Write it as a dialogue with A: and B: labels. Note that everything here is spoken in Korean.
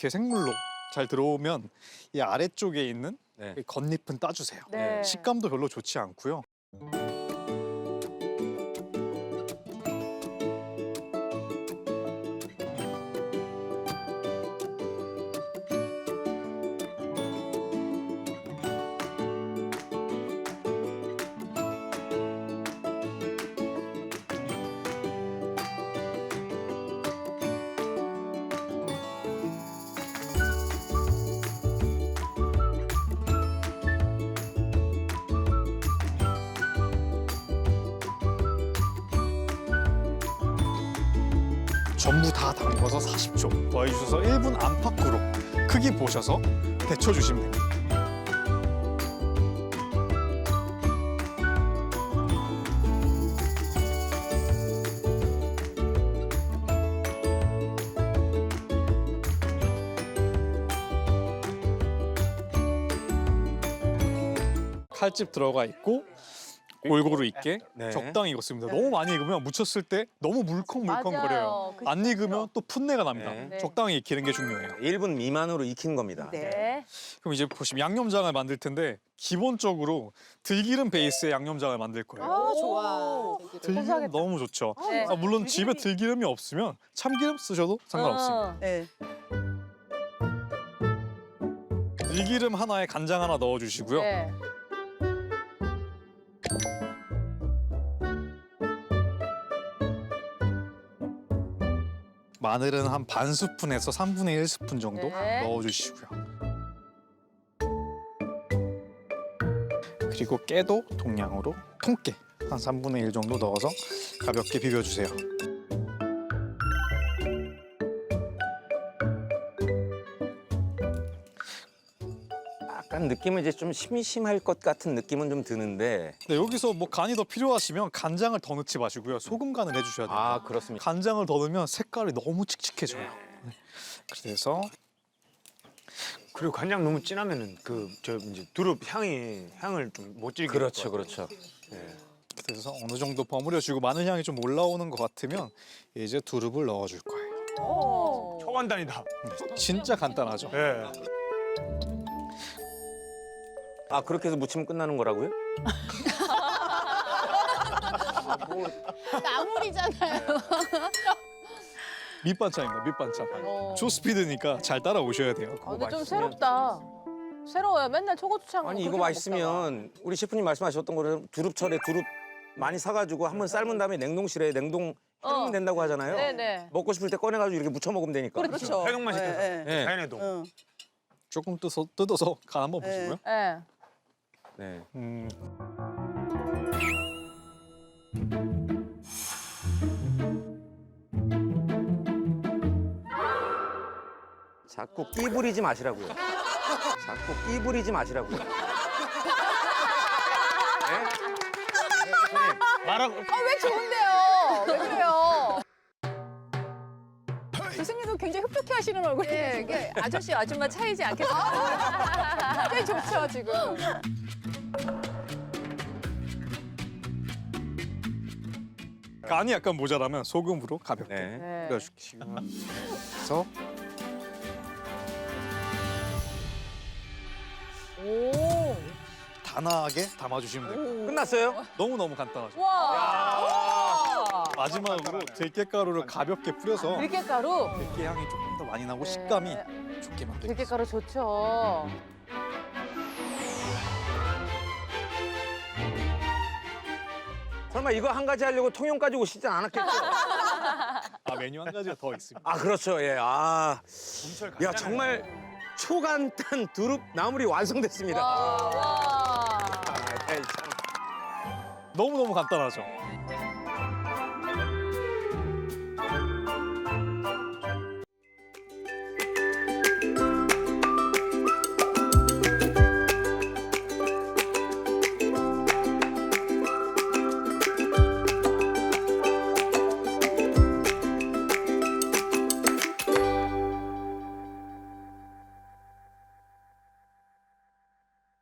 A: 이렇게 생물로 잘 들어오면 이 아래쪽에 있는
B: 네.
A: 이 겉잎은 따주세요.
C: 네.
A: 식감도 별로 좋지 않고요. 전부 다 담궈서 40초 더해주셔서 1분 안팎으로 크기 보셔서 데쳐주시면 됩니다. 칼집 들어가 있고 골고루 익게
B: 네.
A: 적당히 익었습니다. 너무 많이 익으면 무쳤을 때 너무 물컹물컹거려요.
C: 맞아요. 그
A: 안 익으면 또 풋내가 납니다.
B: 네.
A: 적당히 익히는 게 중요해요.
B: 1분 미만으로 익힌 겁니다.
C: 네.
A: 그럼 이제 보시면 양념장을 만들 텐데 기본적으로 들기름 베이스의 양념장을 만들 거예요.
D: 아, 좋아.
A: 들기름
C: 고소하겠다.
A: 너무 좋죠.
C: 네.
A: 물론 집에 들기름이 없으면 참기름 쓰셔도 상관없습니다.
D: 네.
A: 들기름 하나에 간장 하나 넣어주시고요.
C: 네.
A: 마늘은 한 반 스푼에서 3분의 1 스푼 정도
C: 네.
A: 넣어주시고요. 그리고 깨도 동량으로 통깨 한 3분의 1 정도 넣어서 가볍게 비벼주세요.
B: 약간 느낌은 이제 좀 심심할 것 같은 느낌은 좀 드는데.
A: 네, 여기서 뭐 간이 더 필요하시면 간장을 더 넣지 마시고요. 소금 간을 해주셔야 돼요.
B: 아, 그렇습니다.
A: 간장을 더 넣으면 색깔이 너무 칙칙해져요. 네. 그래서
E: 그리고 간장 너무 진하면은 그 저 이제 두릅 향을 좀 못 즐기는
B: 그렇죠,
E: 것 같아요.
B: 그렇죠.
A: 그래서 어느 정도 버무려주고 마늘 향이 좀 올라오는 것 같으면 이제 두릅을 넣어줄 거예요.
C: 오.
E: 초간단이다.
A: 네, 진짜 간단하죠.
E: 예.
B: 아, 그렇게 해서 무치면 끝나는 거라고요?
D: 나물이잖아요.
A: 밑반찬입니다. 밑반찬.
C: 어.
A: 초스피드니까 잘 따라오셔야 돼요.
C: 아, 근데 좀
B: 맛있으면-
C: 새롭다. 새로워요. 맨날 초고추장.
B: 아니, 이거
C: 그렇게만
B: 맛있으면 우리 셰프님 말씀하셨던 거는 두릅철에 두릅 많이 사가지고 한번 삶은 다음에 냉동실에 냉동 해놓으면 된다고 하잖아요.
C: 먹다가. 네네.
B: 먹고 싶을 때 꺼내가지고 이렇게 무쳐 먹으면 되니까.
D: 그렇죠.
E: 해동만 시켜서.
D: 예, 예.
B: 네.
E: 자연해동.
D: 응.
A: 조금 뜯어서 간 한번
D: 네.
A: 보시고요.
C: 네.
B: 네. 자꾸 끼 부리지 마시라고요. 자꾸 끼 부리지 마시라고요. 네?
E: 말하고
C: 왜 좋은데요? 왜 그래요?
D: 교수님도 굉장히 흡족해 하시는 얼굴이에요.
C: 네, 이게 아저씨 아줌마 차이지 않겠어요?
D: 꽤 좋죠, 지금.
A: 간이 약간 모자라면 소금으로 가볍게
B: 네.
C: 네.
A: 뿌려주시고 그래서
C: 오.
A: 단아하게 담아주시면 돼요.
B: 끝났어요?
A: 너무너무 간단하죠.
C: 와.
A: 마지막으로 들깨가루를 가볍게 뿌려서
C: 들깨가루.
A: 들깨 향이 조금 더 많이 나고
C: 네.
A: 식감이 좋게 만들겠습니다.
C: 들깨가루 좋죠.
B: 설마 이거 한 가지 하려고 통영까지 오시진 않았겠죠?
A: 아, 메뉴 한 가지가 더 있습니다.
B: 아, 그렇죠. 예. 아,
E: 봄철
B: 야,
E: 간단해.
B: 정말 초간단 두릅 나물이 완성됐습니다.
C: 와.
B: 아, 참.
A: 너무너무 간단하죠.